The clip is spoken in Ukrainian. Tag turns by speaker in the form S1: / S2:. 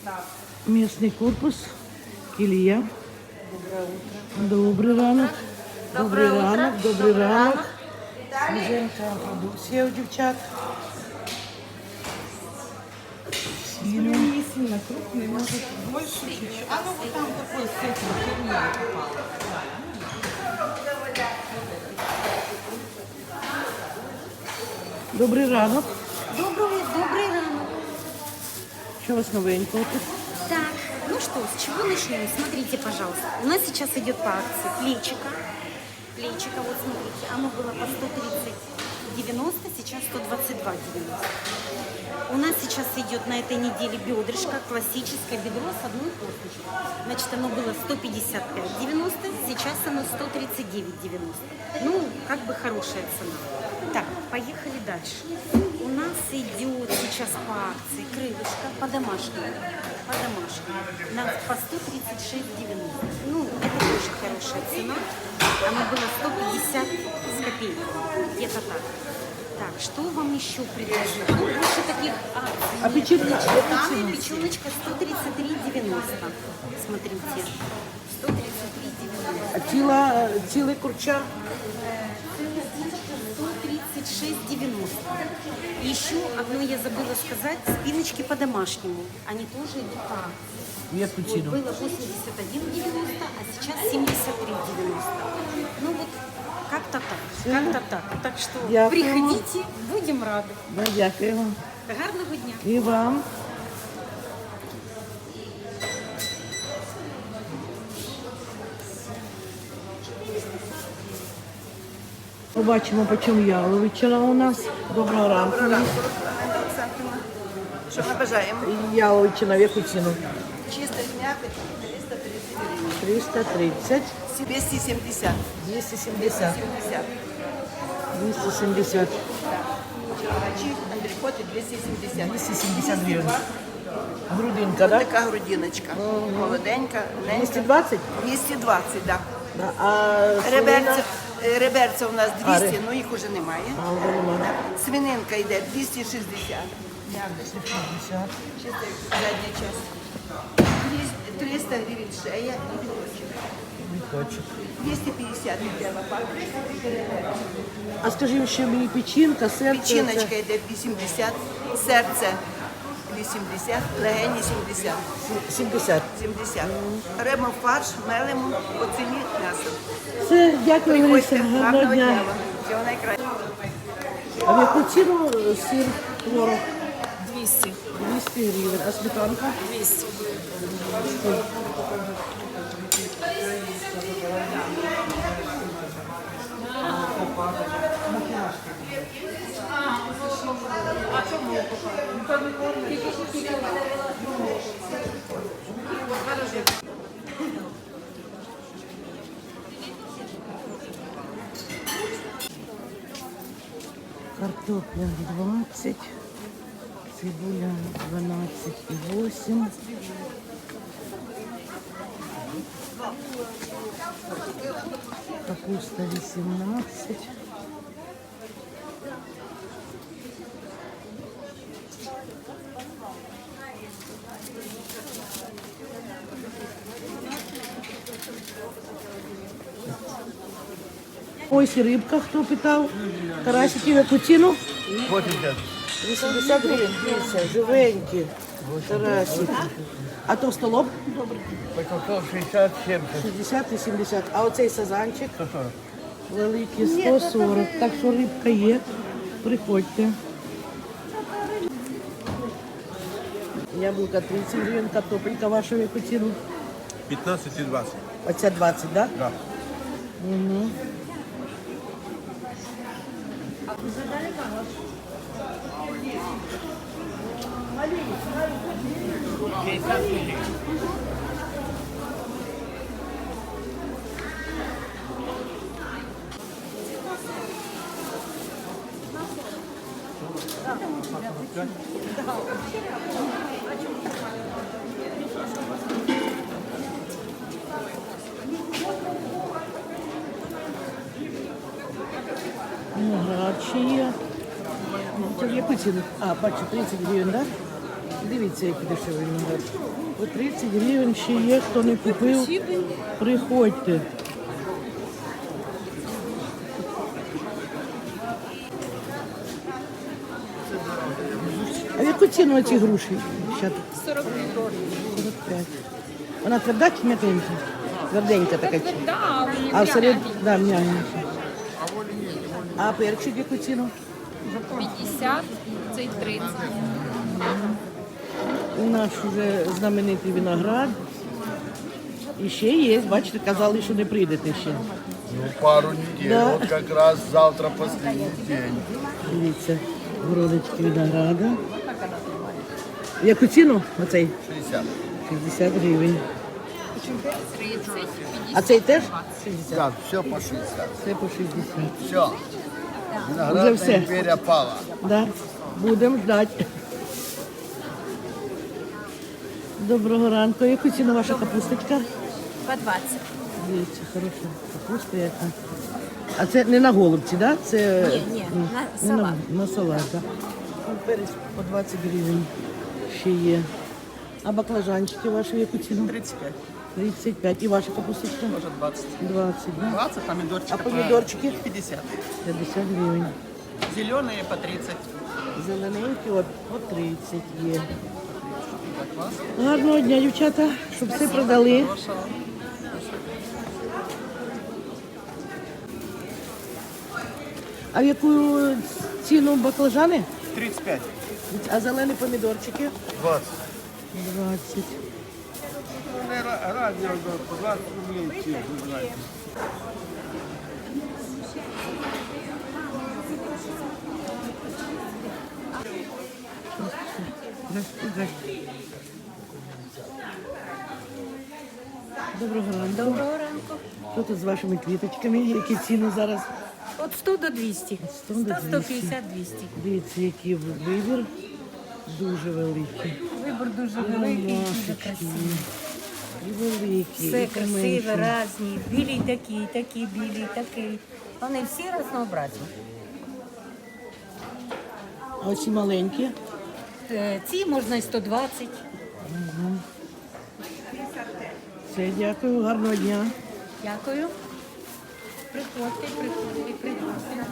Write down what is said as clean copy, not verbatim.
S1: Местный корпус, Кілія. Добрий ранок. Добрий ранок, добрий ранок. Свіженька продукція у дівчат. Сильно.
S2: Не сильно крупный, может больше чуть-чуть. А ну вот там такой с этим херня попала.
S1: Добрий ранок.
S3: Добрый ранок.
S1: Що у вас новенького тут?
S3: Так, ну что, с чего начнем? Смотрите, пожалуйста. У нас сейчас идет по акции плечика. Плечика, вот смотрите, оно было по 130,90, сейчас 122,90. У нас сейчас идет на этой неделе бедрышко, классическое бедро с одной косточкой. Значит, оно было 155,90, сейчас оно 139,90. Ну, как бы хорошая цена. Так, поехали дальше. У нас идет сейчас по акции крылышко по-домашнему. По-домашнему. По 136,90. Ну, это тоже хорошая цена. Оно было 150 с копейками. Где-то так. Так, что вам еще предложить? Ну, больше таких акций.
S1: А печеночка?
S3: Печеночка 133,90. Смотрите. 133,90.
S1: А цілий курча?
S3: 136,90. Еще одно я забыла сказать. Спиночки по-домашнему. Они тоже идут по акции.
S1: Яку
S3: Вот,
S1: ціну?
S3: было 81,90, а сейчас 73,90. Ну вот, как-то так. Как-то так. Так что
S1: Дякуємо.
S3: приходите, будем рады.
S1: Да, дякую вам.
S3: Гарного дня.
S1: І вам. Побачимо, по чому яловичина у нас. Доброго ранку.
S2: Що ми бажаємо?
S1: Яловичина в яку ціну?
S2: Чисто м'яко 330
S1: 330,
S2: 270.
S1: 270,
S2: 70.
S1: 270,
S2: Чоловічі, андрикоти 270.
S1: 270 гривень. Грудинка, так?
S2: Така грудиночка. Молоденька, ленька.
S1: 220?
S2: 220, так.
S1: Да. А
S2: Реберця, реберця у нас 200,
S1: ре-
S2: ну їх уже немає.
S1: А, вже нема.
S2: Свининка йде 260.
S1: 250.
S2: Чисто задня часть. 300 гривень шея і біточок.
S1: Біточок.
S2: 250 йде лопатка.
S1: А скажи, ще мені печінка, серце.
S2: Печіночка йде 80, серце 80, легені 70.
S1: 70.
S2: 70. Беремо фарш, мелимо, по ціні м'ясо.
S1: Все, дякую, Лариса.
S2: Приходьте,
S1: Гарного
S2: гарного
S1: дня.
S2: дня вам. Всього найкращого.
S1: А в яку ціну сир, творог?
S2: 200.
S1: 200 гривень. А сметанка?
S2: 200.
S1: Картопля 20, цибуля 12,8. Капуста 18. Ось і рибка, хто питав. Карасики в яку ціну?
S4: 80.
S1: 80 гривень, дивіться, живенькі. Карасики. А товстолоб?
S4: Потом 60, 70.
S1: 60 і 70. А оцей сазанчик?
S4: 140.
S1: Великий 140. Так що рибка є. Приходьте. Яблука 30 гривень, картопелька ваша в яку ціну?
S4: 15 и 20.
S1: Оця 20, так?
S4: Да.
S1: Угу. Виноград ще є. Це в яку ціну? А, бачу, 30 гривень, так? Дивіться, який дешевий виноград. По 30 гривень ще є, хто не купив, приходьте. А в яку ціну оці груші? 45. Вона тверда чи м'якенька? Тверденька така. А всередині, да, м'ягенька. А перчик в яку ціну?
S5: 50, цей 30.
S1: У нас вже знаменитий виноград. І ще є, бачите, казали, що не прийдете ще.
S6: Ну, пару недель.
S1: Да.
S6: Вот как раз завтра последний день.
S1: Дивіться, городочки винограда. В яку ціну оцей?
S6: 60.
S1: 60 гривень.
S5: 30,
S1: А цей теж? 60.
S6: Да, все по 60.
S1: Це по 60.
S6: Все.
S1: Уже
S6: Виноградная
S1: все.
S6: империя пала.
S1: Да. Будемо ждати. Доброго ранку. Яку ціну ваша капусточка?
S5: по 20.
S1: Дивіться, хороша капуста яка. А це не на голубці, да? Це
S5: Ні, на
S1: не
S5: салат.
S1: На салат, так. Да? Перець по 20 гривень ще є. А баклажанчики ваші в яку ціну?
S7: 35,
S1: 35. І ваша капусточка?
S7: може 20.
S1: 20, да?
S7: 20, помидорчики.
S1: А помідорчики?
S7: 50.
S1: 50 гривень.
S7: Зеленые по 30.
S1: Зелененькі от по 30 є. Гарного дня, дівчата, щоб все продали.
S7: Хорошего.
S1: А в яку ціну баклажани?
S6: 35.
S1: А зелені помідорчики?
S6: 20.
S1: 20.
S4: Разні, 20 рублей ці, ви знаєте.
S1: Доброго ранку.
S5: Доброго ранку.
S1: Що тут з вашими квіточками? Які ціни зараз?
S5: От 100 до 200.
S1: 100 до 200.
S5: 150, 200.
S1: Дивіться, який вибір. Дуже великий.
S5: Вибор дуже великий, дуже
S1: Машечки.
S5: красивий.
S1: І великий,
S5: Все
S1: і
S5: красиве,
S1: поменше.
S5: різні. Білі такі, такі, білі, такі. Вони всі разнообразні.
S1: А оці маленькі?
S5: Ці можна і 120.
S1: Все, дякую, гарного дня.
S5: Дякую. Приходьте, приходьте, приходьте.